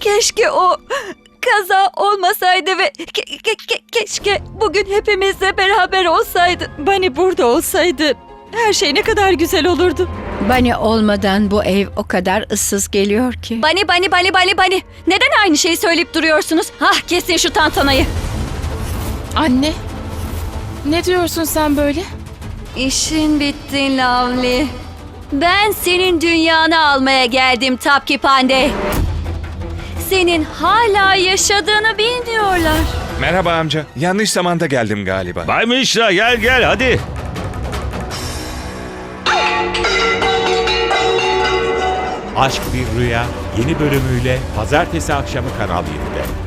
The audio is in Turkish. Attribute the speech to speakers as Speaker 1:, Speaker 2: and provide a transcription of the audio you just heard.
Speaker 1: Keşke o kaza olmasaydı ve keşke bugün hepimizle beraber olsaydı.
Speaker 2: Bunny burada olsaydı her şey ne kadar güzel olurdu.
Speaker 3: Bunny olmadan bu ev o kadar ıssız geliyor ki.
Speaker 1: Bani. Neden aynı şeyi söyleyip duruyorsunuz? Kesin şu tantanayı.
Speaker 4: Anne, ne diyorsun sen böyle?
Speaker 1: İşin bitti Lavli. Ben senin dünyanı almaya geldim Tapki Pandey. Senin hala yaşadığını bilmiyorlar.
Speaker 5: Merhaba amca. Yanlış zamanda geldim galiba.
Speaker 6: Bay Mishra gel hadi.
Speaker 7: Aşk Bir Rüya yeni bölümüyle pazartesi akşamı Kanal 7'de.